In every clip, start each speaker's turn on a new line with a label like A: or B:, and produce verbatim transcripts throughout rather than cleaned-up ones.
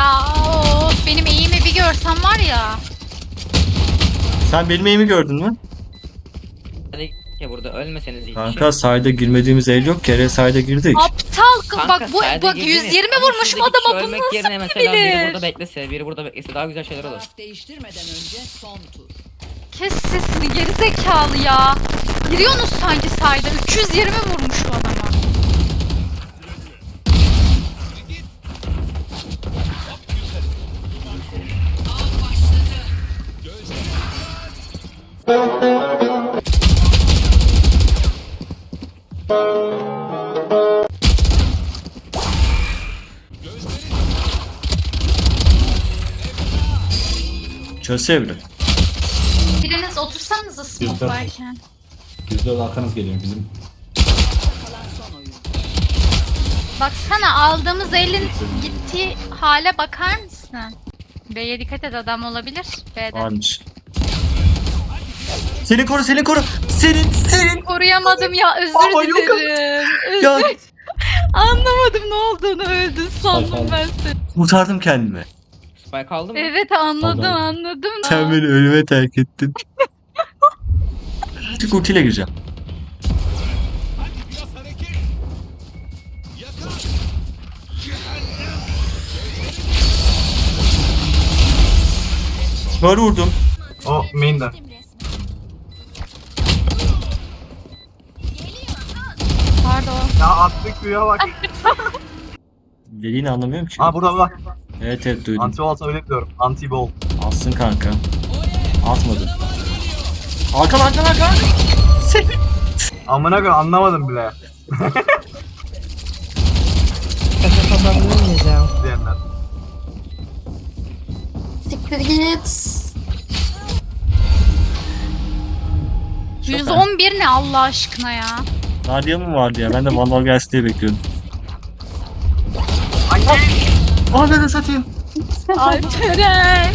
A: ya. Of, benim eğimi bir görsen var ya.
B: Sen benim eğimi gördün mü?
C: Hadi ya burada ölmeseniz iyi
B: Kanka sayda girmediğimiz el yok. Kere sayda girdik.
A: Aptal kız
C: Kanka,
A: bak bu
C: sayda
A: bak
C: girdiniz.
A: yüz yirmi
C: Ama
A: vurmuşum
C: şuradaki kişi
A: adama, bunu
C: ölmek
A: nasıl
C: yerine mesela biri
A: bilir?
C: burada beklese, biri burada beklese daha güzel şeyler olur.
D: Taraf değiştirmeden önce son tur.
A: Kes sesini gerizekalı ya. Giriyorsunuz sanki sayda. üç yüz yirmi vurmuş o adama.
B: Çözse bile.
A: Biriniz otursanıza smoke varken.
E: yüz dört arkanız geliyor bizim.
D: Kalan son oyun.
A: Baksana aldığımız elin gittiği hale bakar mısın? B'ye dikkat et, adam olabilir. B'de.
B: Varmış. Seni koru, seni koru. Senin, senin.
A: Koruyamadım ya, özür
B: Ama yok
A: dilerim.
B: Ya
A: Özür. Anlamadım ne olduğunu, öldün sandım
E: Spike
A: ben seni.
B: kurtardım kendimi.
C: Spike aldı mı?
A: Evet anladım
E: Aldım.
A: anladım.
B: Sen beni ölüme terk ettin. Çık ultiyle gireceğim. Kör vurdum.
F: O main'de.
A: Pardon.
F: Ya attık güya bak.
B: Dediğini anlamıyorum ki.
F: Aa burada bak.
B: Evet evet duydum.
F: Anti wall öyle diyorum. Anti ball.
B: Alsın kanka. Atmadı. Arkan arkan arkan. Seni.
F: Amına koyayım anlamadım bile. Diyenler.
G: Siktir git.
A: yüz on bir ne Allah aşkına ya.
B: Nadia mı vardı ya? Ben de Vandal gelsin diye bekliyordum.
F: Ay
B: Aa ben de satayım.
A: Alperen.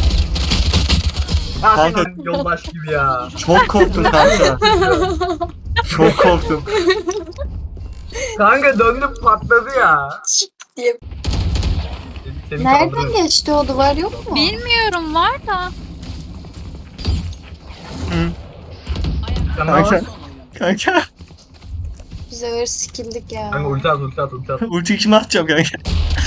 F: ya
B: Kanka.
F: senin yoldaş gibi ya.
B: Çok korktum kanka. Çok korktum.
F: Kanka döndüm patladı ya.
G: diye.
F: Seni
G: Nereden
F: kaldırırım.
G: geçti o duvar yok mu?
A: Bilmiyorum var da.
F: Sen
B: Kanka.
F: ne var?
B: Kanka.
G: Biz öyle sikildik ya.
F: Kanka ulti at ulti at ulti at.
B: Ulti kime atacağım kanka?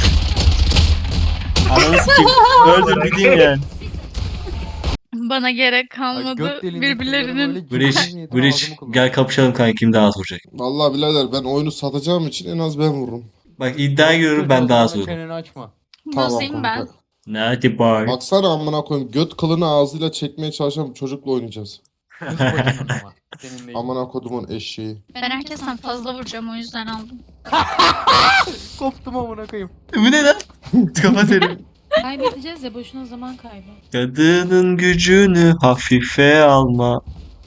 B: Ananı sikeyim. Öldür gideyim yani.
A: Bana gerek kalmadı. Birbirlerinin
B: Bridge, Bridge gel kapışalım kanka kim daha az vuracak.
H: Vallahi birader ben oyunu satacağım için en az ben vururum.
B: Bak iddia görüyorum ben daha az vururum.
C: Çeneni açma.
A: bozayım ben.
H: kanka.
B: Nerede bar?
H: Baksana amına koyayım göt kılını ağzıyla çekmeye çalışan bir çocukla oynayacağız. Amına kodumun eşeği.
A: Ben herkesten fazla vuracağım, o yüzden aldım.
C: Koptum amına koyayım.
B: Bu ne lan? Kapat elimi.
I: Kaybedeceğiz ya, boşuna zaman kaybı.
B: Kadının gücünü hafife alma.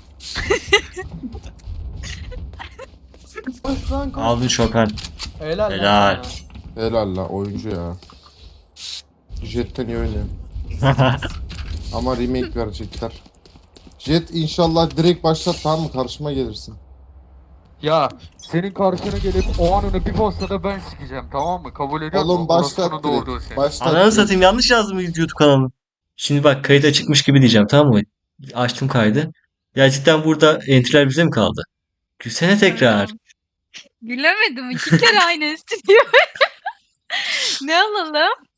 B: Aldın Chopin.
C: Helal.
B: Helal.
H: Helal la oyuncu ya. Jet'ten iyi oynuyor. Ama remake verecekler. Jet inşallah direkt başlat tamam mı karşıma gelirsin.
J: Ya senin karşına gelip o an onu bir postada ben sikeceğim tamam mı? Kabul ediyor musun?
H: Oğlum başlat
J: Orospu'nun doğurduğu
H: direkt.
J: şey.
H: Başlat.
B: Ananı
H: direkt.
B: satayım yanlış yazdım YouTube kanalını. Şimdi bak kayıda çıkmış gibi diyeceğim tamam mı? Açtım kaydı. Gerçekten burada entry'ler bize mi kaldı? Gülsene tekrar.
A: Gülemedim, iki kere aynı stüdyo. Ne alalım?